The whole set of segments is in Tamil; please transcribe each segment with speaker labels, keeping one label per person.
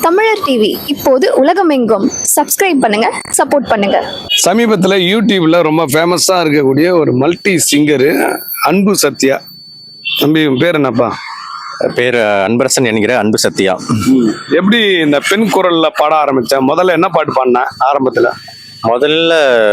Speaker 1: தமிழர் டிவி இப்போது உலகமெங்கும். சப்ஸ்கிரைப் பண்ணுங்க, சப்போர்ட் பண்ணுங்க.
Speaker 2: சமீபத்தில் யூடியூப்ல ரொம்ப ஃபேமஸாக இருக்கக்கூடிய ஒரு மல்டி சிங்கரு அன்பு சத்யா. தம்பி உன் பேர் என்னப்பா?
Speaker 3: பேர் அன்பரசன் என்கிற அன்பு சத்யா.
Speaker 2: எப்படி இந்த பெண் குரல்ல பாட ஆரம்பிச்ச? முதல்ல என்ன பாட்டு பாடின ஆரம்பத்துல?
Speaker 3: முதல்ல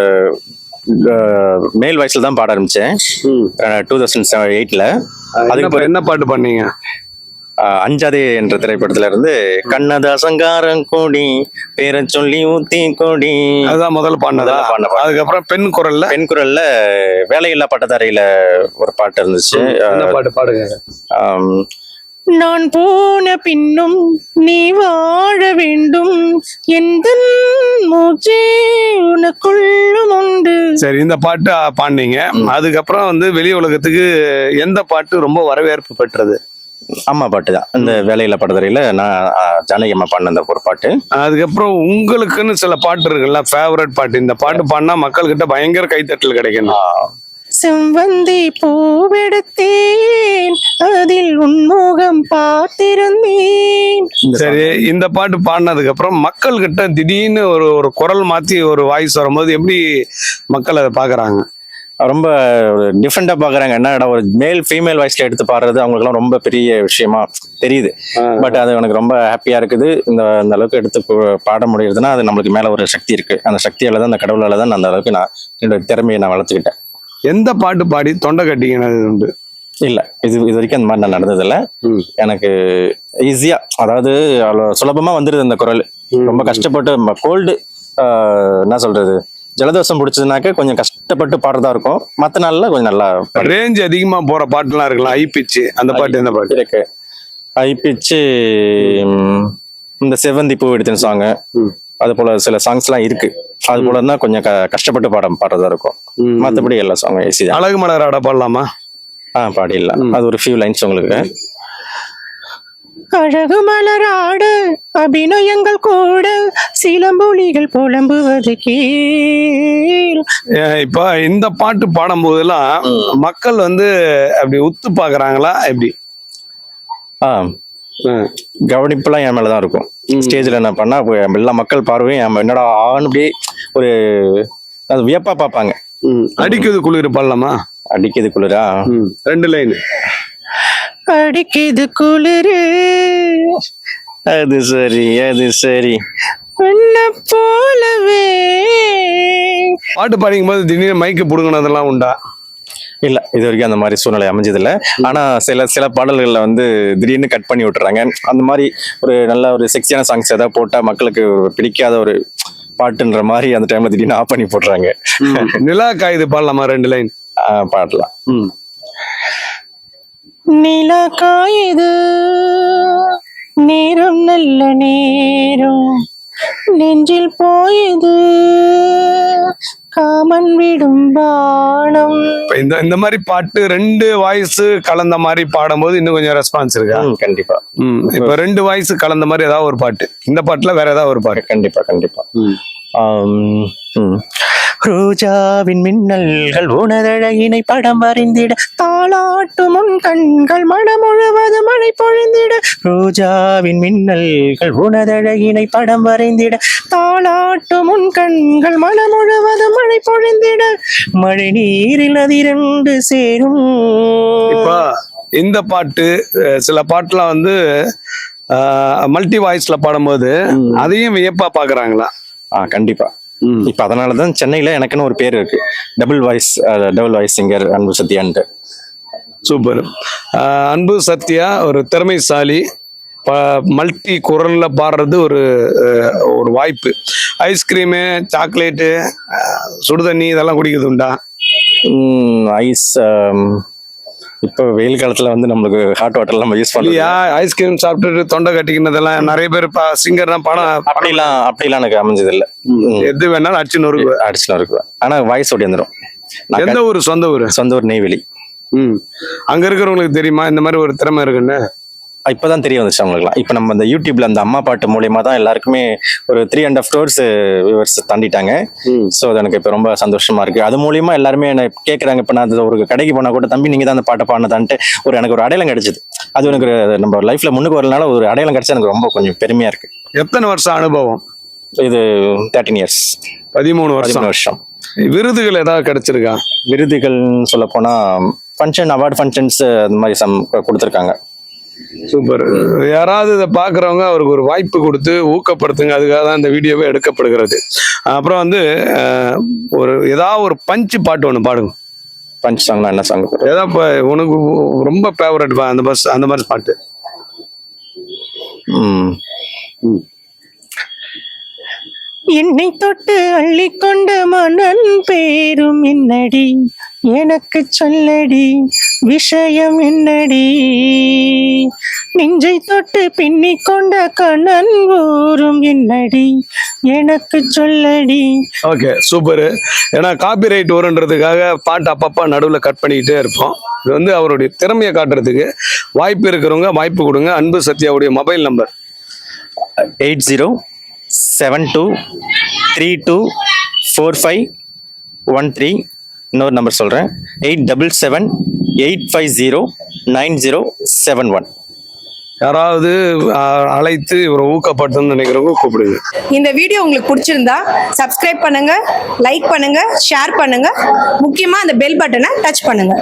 Speaker 3: மேல் வயசுல தான் பாட ஆரம்பிச்சேன் 2008ல்.
Speaker 2: அதுக்கு என்ன பாட்டு பண்ணீங்க?
Speaker 3: அஞ்சாதே என்ற திரைப்படத்துல இருந்து கண்ணதாசங்காரம் கோடி பேரை சொல்லி ஊத்தி கோடி,
Speaker 2: அதுதான் முதல்ல பாடினதா? அதுக்கப்புறம் பெண் குரல்ல
Speaker 3: வேலையில்லா பட்டதாரியில ஒரு பாட்டு இருந்துச்சு.
Speaker 2: என்ன பாட்டு பாடுங்க?
Speaker 4: நான் போன பின்னும் நீ வாழ வேண்டும், எந்த மூச்சே உனக்குள்ளும் உண்டு.
Speaker 2: சரி, இந்த பாட்டு பாடினீங்க. அதுக்கப்புறம் வெளி உலகத்துக்கு எந்த பாட்டு ரொம்ப வரவேற்பு பெற்றது?
Speaker 3: அம்மா பாட்டு தான். இந்த வேலையில்லா பட்டதாரியில நான் ஜானகி அம்மா பாடின அந்த ஒரு பாட்டு.
Speaker 2: அதுக்கப்புறம் உங்களுக்குன்னு சில பாட்டு இருக்குல்ல, ஃபேவரட் பாட்டு, இந்த பாட்டு பாடினா மக்கள் கிட்ட பயங்கர கைத்தட்டல் கிடைக்கணும்.
Speaker 4: செவ்வந்தி பூவெடுத்தேன், அதில் உன்முகம் பார்த்திருந்தேன்.
Speaker 2: சரி, இந்த பாட்டு பாடினதுக்கு அப்புறம் மக்கள் கிட்ட திடீர்னு ஒரு குரல் மாத்தி ஒரு வாய்ஸ் வரும்போது எப்படி மக்கள் அதை பாக்குறாங்க?
Speaker 3: ரொம்ப டிஃப்ரெண்டா பாக்குறாங்க. என்னடா ஒரு மேல் ஃபீமேல் வாய்ஸ்ல எடுத்து பாடுறது அவங்களுக்குலாம் ரொம்ப பெரிய விஷயமா தெரியுது. பட் அது எனக்கு ரொம்ப ஹாப்பியா இருக்குது. இந்த அளவுக்கு எடுத்து பாட முடியுதுன்னா அது நம்மளுக்கு மேல ஒரு சக்தி இருக்கு. அந்த சக்தியால தான், அந்த கடவுளால தான் அந்த அளவுக்கு நான் என்னோட திறமையை நான் வளர்த்துக்கிட்டேன்.
Speaker 2: எந்த பாட்டு பாடி தொண்டை கட்டிக்கினது உண்டு?
Speaker 3: இல்ல, இது வரைக்கும் அந்த மாதிரி நான் நடந்ததில்ல. எனக்கு ஈஸியா, அதாவது சுலபமா வந்துருது அந்த குரல். ரொம்ப கஷ்டப்பட்டு கோல்டு என்ன சொல்றது, ஜலதோஷம் பிடிச்சதுனாக்க கொஞ்சம் கஷ்டப்பட்டு பாடுறதா இருக்கும். மற்ற நாள்ல கொஞ்சம் நல்லா
Speaker 2: ரேஞ்ச் அதிகமா போற பாட்டுலாம் இருக்கலாம். ஐ பிச்சு, அந்த பாட்டு எந்த பாட்டு
Speaker 3: இருக்கு? ஐ பிச்சு இந்த செவ்வந்தி பூ எடுத்துன்னு சாங், அது போல சில சாங்ஸ் எல்லாம் இருக்கு. அது போல தான் கொஞ்சம் கஷ்டப்பட்டு பாடுறதா இருக்கும். மற்றபடி எல்லா சாங்கும் ஈஸி தான்.
Speaker 2: அழகு மலர் ஆட பாடலாமா?
Speaker 3: பாடிடலாம். அது ஒரு ஃபியூ லைன்ஸ் உங்களுக்கு.
Speaker 4: அழகு மலராடு அபிநயங்கள் கூட, சிலம்பொலிகள் புலம்புவது கீழ்.
Speaker 2: இப்ப இந்த பாட்டு பாடும் போதெல்லாம் மக்கள் அப்படி உத்து பாக்குறாங்களா? எப்படி
Speaker 3: கவனிப்புலாம் என் மேலதான் இருக்கும். ஸ்டேஜ்ல என்ன பண்ணா எல்லா மக்கள் பார்வையும் என்னடா ஆண் அப்படியே ஒரு அது வியப்பா பார்ப்பாங்க.
Speaker 2: அடிக்குது குளிர் பாடலாமா?
Speaker 3: அடிக்குது குளிரா?
Speaker 2: 2 லைன்.
Speaker 4: அடிக்குது குளிரு,
Speaker 3: அது சரி அது சரி,
Speaker 4: உன்ன போலவே.
Speaker 2: பாட்டு பாடிக்கும் போது திடீர்னு மைக்கு புடுங்கினதெல்லாம் உண்டா?
Speaker 3: இல்ல, இது வரைக்கும் அந்த மாதிரி சூழ்நிலை அமைஞ்சது இல்லை. ஆனா சில பாடல்கள்ல திடீர்னு கட் பண்ணி விட்டுறாங்க. அந்த மாதிரி ஒரு நல்ல ஒரு செக்ஸியான சாங்ஸ் ஏதாவது போட்டா மக்களுக்கு பிடிக்காத ஒரு பாட்டுன்ற மாதிரி அந்த டைம்ல திடீர்னு ஆஃப் பண்ணி போடுறாங்க.
Speaker 2: நிலா காயுது பாடலாமா? 2 லைன்
Speaker 3: பாடலாம்.
Speaker 4: நிலா காயுது, நேரம் நல்ல நேரம், நெஞ்சில் போயுது காமன் விடும் பானம்.
Speaker 2: இந்த மாதிரி பாட்டு 2 வாய்ஸ் கலந்த மாதிரி பாடும்போது இன்னும் கொஞ்சம் ரெஸ்பான்ஸ் இருக்கா?
Speaker 3: கண்டிப்பா.
Speaker 2: இப்ப 2 வாய்ஸ் கலந்த மாதிரி ஏதாவது ஒரு பாட்டு, இந்த பாட்டுல வேற ஏதாவது ஒரு பாட்டு?
Speaker 3: கண்டிப்பா. ரோஜாவின் மின்னல்கள் உனதழகினை படம் வரைந்திட,
Speaker 4: தாளாட்டு முன் கண்கள் மனம் முழுவது மழை பொழிந்திட.
Speaker 3: ரோஜாவின் மின்னல்கள் உனதழகினை படம் வரைந்திட,
Speaker 4: தாளாட்டு முன் கண்கள் மனம் முழுவது மழை பொழிந்திட.
Speaker 3: மழை நீரில் அது 2 சேரும்.
Speaker 2: இப்ப இந்த பாட்டு சில பாட்டுலாம் மல்டி வாய்ஸ்ல பாடும்போது அதையும் வியப்பா பாக்குறாங்களா?
Speaker 3: கண்டிப்பா. இப்ப அதனாலதான் சென்னையில எனக்குன்னு ஒரு பேர் இருக்கு, டபுள் வாய்ஸ் சிங்கர் அன்பு சத்யான்ட்டு.
Speaker 2: சூப்பர். அன்பு சத்யா ஒரு திறமைசாலி. மல்டி குரல்ல பாடுறது ஒரு வாய்ப்பு. ஐஸ்கிரீமு, சாக்லேட்டு, சுடுதண்ணி இதெல்லாம் குடிக்கிறது உண்டா?
Speaker 3: ஐஸ் இப்போ வெயில் காலத்துல நம்மளுக்கு ஹாட் வாட்டர் எல்லாம் யூஸ் பண்ணலையா?
Speaker 2: ஐஸ்கிரீம் சாப்பிட்டுட்டு தொண்டை கட்டிக்கினதெல்லாம் நிறைய பேர் சிங்கர் தான் படம்
Speaker 3: அப்படிலாம் எனக்கு அமைஞ்சது இல்லை.
Speaker 2: எது வேணாலும் அடிச்சு
Speaker 3: நொறுக்குவேன். ஆனா வாய்ஸ் ஓடி வந்துடும்.
Speaker 2: எந்த ஊர்? சொந்த ஊர்
Speaker 3: நெய்வேலி.
Speaker 2: அங்க இருக்கிறவங்களுக்கு தெரியுமா இந்த மாதிரி ஒரு திறமை இருக்குன்னு?
Speaker 3: இப்பதான் தெரிய வந்துச்சு அவங்களுக்குலாம். இப்ப நம்ம இந்த யூடியூப்ல அந்த அம்மா பாட்டு மூலியமா தான் எல்லாருக்குமே ஒரு 3.5 crores வியூவர்ஸ் தாண்டிட்டாங்க. ஸோ அது எனக்கு இப்ப ரொம்ப சந்தோஷமா இருக்கு. அது மூலியமா எல்லாருமே என்ன கேட்கறாங்க. இப்ப நான் ஒரு கடைக்கு போனா கூட தம்பி நீங்க தான் அந்த பாட்டை பாடினதான்ட்டு எனக்கு ஒரு அடையாளம் கிடைச்சது. அது எனக்கு நம்ம லைஃப்ல முன்னுக்கு வரனால ஒரு அடையாளம் கிடைச்சா எனக்கு ரொம்ப கொஞ்சம் பெருமையா இருக்கு.
Speaker 2: எத்தனை வருஷம் அனுபவம்?
Speaker 3: இது 13 இயர்ஸ்.
Speaker 2: 13
Speaker 3: 13 வருஷம்.
Speaker 2: விருதுகள் ஏதாவது கிடைச்சிருக்கா?
Speaker 3: விருதுகள்னு சொல்ல போனா ஃபங்க்ஷன், அவார்டு ஃபங்க்ஷன்ஸ் அந்த மாதிரி கொடுத்துருக்காங்க.
Speaker 2: சூப்பர். யாராவது இதை பார்க்குறவங்க அவருக்கு ஒரு வாய்ப்பு கொடுத்து ஊக்கப்படுத்துங்க. அதுக்காக தான் இந்த வீடியோவே எடுக்கப்படுகிறது. அப்புறம் வந்து ஏதாவது ஒரு பஞ்சு பாட்டு ஒன்று பாடுங்க.
Speaker 3: பஞ்ச் சாங்னா என்ன சாங்?
Speaker 2: ஏதாவது இப்போ உனக்கு ரொம்ப ஃபேவரட் அந்த மாதிரி பாட்டு.
Speaker 4: என்னை தொட்டு அள்ளிக்கொண்ட மன்னன் பேரும் என்னடி, எனக்கு சொல்லடி விஷயம் என்னடி, நெஞ்சை தொட்டு பின்னிக் கொண்ட கண்ணன் ஊரும் என்னடி, எனக்கு சொல்லடி.
Speaker 2: Okay, super. ஏன்னா காப்பிரைட் வருன்றதுக்காக பாட்டு அப்பப்போ நடுவில் கட் பண்ணிக்கிட்டே இருப்போம். இது வந்து அவருடைய திறமையை காட்டுறதுக்கு வாய்ப்பு இருக்கிறவங்க வாய்ப்பு கொடுங்க. அன்பு சத்யாவுடைய மொபைல் நம்பர்
Speaker 3: 8072324513. இன்னொரு நம்பர் சொல்கிறேன், 8778509071.
Speaker 2: யாராவது அழைத்து இவரை ஊக்கப்படுத்தணும்னு நினைக்கிறவங்க கூப்பிடுங்க.
Speaker 5: இந்த வீடியோ உங்களுக்கு பிடிச்சிருந்தா சப்ஸ்கிரைப் பண்ணுங்க, லைக் பண்ணுங்க, ஷேர் பண்ணுங்க, முக்கியமா அந்த பெல் பட்டனை டச் பண்ணுங்க.